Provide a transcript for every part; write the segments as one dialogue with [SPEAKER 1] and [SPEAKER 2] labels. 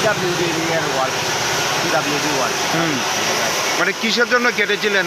[SPEAKER 1] PWD এর word, PWD word.
[SPEAKER 2] মানে কিসের জন্য কেটেছিলেন?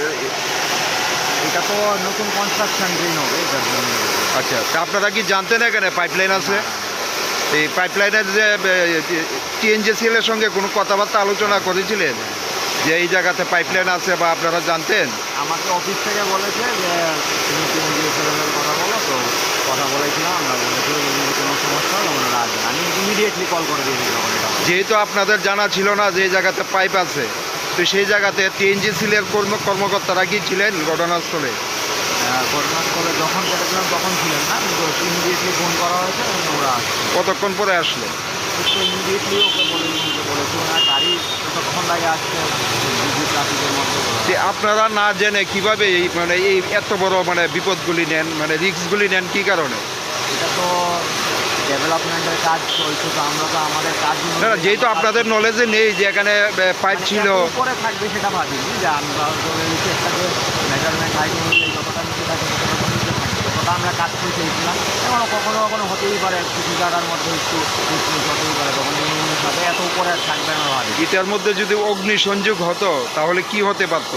[SPEAKER 1] এটা তো নতুন কনস্ট্রাকশন ড্রেন হবে, এটার জন্য।
[SPEAKER 2] আচ্ছা, তা আপনারা কি জানতেন এখানে পাইপলাইন আছে? এই পাইপলাইনের যে টিএনজিসিএল এর সঙ্গে কোনো কথাবার্তা আলোচনা করেছিলেন যে এই জায়গাতে পাইপলাইন আছে, বা আপনারা জানতেন?
[SPEAKER 1] আমাকে অফিস থেকে বলেছে যে তুমি টিএনজিসিএল এর কথা বলো, তো কথা বলেছিলাম, আমরা বলেছিল যদি কোনো সমস্যা হলে ওনারা আসবেন। আমি ইমিডিয়েটলি কল করে দিয়েছিলাম।
[SPEAKER 2] যেহেতু আপনাদের জানা ছিল না যে এই জায়গাতে পাইপ আছে, তো সেই জায়গাতে টিএনজিসিএল এর কর্মকর্তারা কি ছিলেন ঘটনাস্থলে?
[SPEAKER 1] ঘটনাস্থলে যখন কেটেছিলাম তখন ছিলেন না, কিন্তু ইমিডিয়েটলি ফোন করা হয়েছে এবং ওরা আসছে।
[SPEAKER 2] কতক্ষণ পরে আসলো?
[SPEAKER 1] একটু ইমিডিয়েটলি ওকে বলেছি ওনার গাড়ি কতক্ষণ লাগে আসছে, ট্রাফিকের মধ্যে।
[SPEAKER 2] যে আপনারা না জেনে কিভাবে এই মানে এই এত বড় মানে বিপদগুলি নেন, মানে রিস্কগুলি নেন কী কারণে?
[SPEAKER 1] এটা তো ডেভেলপমেন্টের কাজ চলছে, তো আমরা তো আমাদের কাজ
[SPEAKER 2] না, যেহেতু আপনাদের নলেজে নেই যে এখানে পাইপ ছিল,
[SPEAKER 1] উপরে থাকবে সেটা ভাবিনি যে আমরা চেষ্টা করে মেজারমেন্ট হাইট অনুযায়ী যতটা নিচে থাকে ততটা নিচে থাকবে, ততটা আমরা কাজ করে চেয়েছিলাম। এবং কখনো কখনো হতেই পারে কিছু জায়গার মধ্যে একটু হতেই পারে, তখন সাথে এত উপরে থাকবে না ভাবি।
[SPEAKER 2] এটার মধ্যে যদি অগ্নি সংযোগ হতো তাহলে কি হতে পারতো?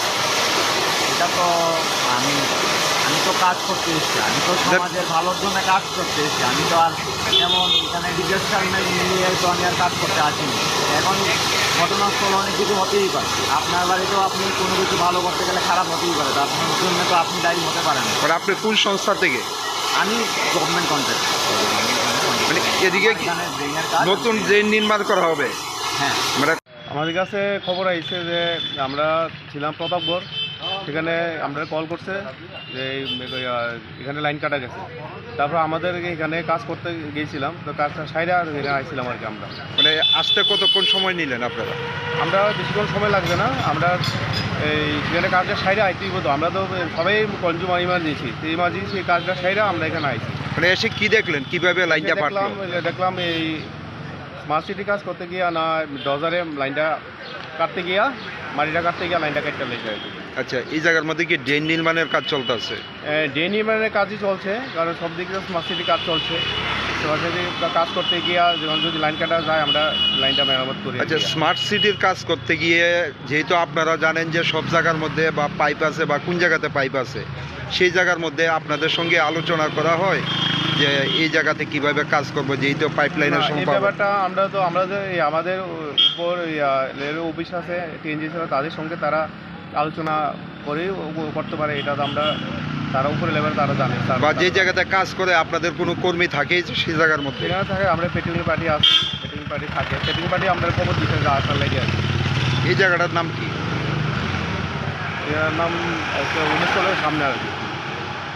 [SPEAKER 1] এটা তো আমি তো কাজ করতে এসেছি, আমি তো সমাজের ভালোর জন্য কাজ করতে এসেছি। আমি তো আর যেমন এখানে ডিজাস্টার নিয়ে তো আমি আর কাজ করতে আসিনি। এখন ঘটনাস্থল অনেক কিছু হতেই পারে, আপনার বাড়িতেও আপনি কোনো কিছু ভালো করতে গেলে খারাপ হতেই পারে, তো আপনার জন্য তো আপনি দায়ী হতে পারেন।
[SPEAKER 2] মানে আপনি কোন সংস্থা থেকে?
[SPEAKER 1] আমি গভর্নমেন্ট কন্ট্রাক্ট।
[SPEAKER 2] মানে এদিকে নতুন ড্রেন নির্মাণ করা হবে?
[SPEAKER 1] হ্যাঁ,
[SPEAKER 2] মানে
[SPEAKER 3] আমাদের কাছে খবর আইছে যে আমরা ছিলাম প্রতাপগড়, সেখানে আমরা কল করছে যে এখানে লাইন কাটা গেছে। তারপর আমাদের এখানে কাজ করতে গিয়েছিলাম, তো কাজটা সাইডে এখানে আইছিলাম আর কি। আমরা
[SPEAKER 2] মানে আসতে কতক্ষণ সময় নিলেন আপনারা?
[SPEAKER 3] আমরা বেশিক্ষণ সময় লাগবে না, আমরা এই সেখানে কাজটা সাইডে আইতেই হতো। আমরা তো সবাই কনজিউমার ইমার্জেন্সি, সেই ইমার্জেন্সি এই কাজটা সাইডে আমরা এখানে আইছি।
[SPEAKER 2] মানে এসে কি দেখলেন, কিভাবে লাইনটা পাঠলাম?
[SPEAKER 3] দেখলাম এই স্মার্ট সিটি কাজ করতে গিয়া না ডজারে লাইনটা কাটতে গিয়া, মাটিটা কাটতে গিয়া লাইনটা কেটে লেগে আর কি।
[SPEAKER 2] আচ্ছা, এই জায়গার মধ্যে কি ড্রেন নির্মাণের কাজ চলতেছে?
[SPEAKER 3] ড্রেন নির্মাণের কাজই চলছে, কারণ সব দিকে স্মার্ট সিটি কাজ চলছে। স্মার্ট সিটি কাজ করতে গিয়া যখন যদি লাইন কাটা যায় আমরা লাইনটা মেরামত করি।
[SPEAKER 2] আচ্ছা, স্মার্ট সিটির কাজ করতে গিয়ে যেহেতু আপনারা জানেন যে সব জায়গার মধ্যে বা পাইপ আছে বা কোন জায়গাতে পাইপ আছে, সেই জায়গার মধ্যে আপনাদের সঙ্গে আলোচনা করা হয় যে এই জায়গাতে কিভাবে কাজ করবো, যেহেতু পাইপলাইনের
[SPEAKER 3] এই ব্যাপারটা আমরা যে আমাদের উপর রেলওয়ে অফিস আছে, টিএনজিসি তাদের সঙ্গে তারা আলোচনা করে করতে পারে, এটা তো আমরা তারা উপরে লেভেলে তারা জানে।
[SPEAKER 2] বা যে জায়গাতে কাজ করে আপনাদের কোনো কর্মী থাকে সেই জায়গার মধ্যে?
[SPEAKER 3] সেখানে থাকে, আমরা পেট্রোলিং পার্টি আছে, পেট্রোলিং পার্টি থাকে, পেট্রোলিং পার্টি আমাদের খবর দিতে যে আসার লেগে আছে।
[SPEAKER 2] এই জায়গাটার নাম কি?
[SPEAKER 3] এর নাম 19 সালের সামনে আর কি।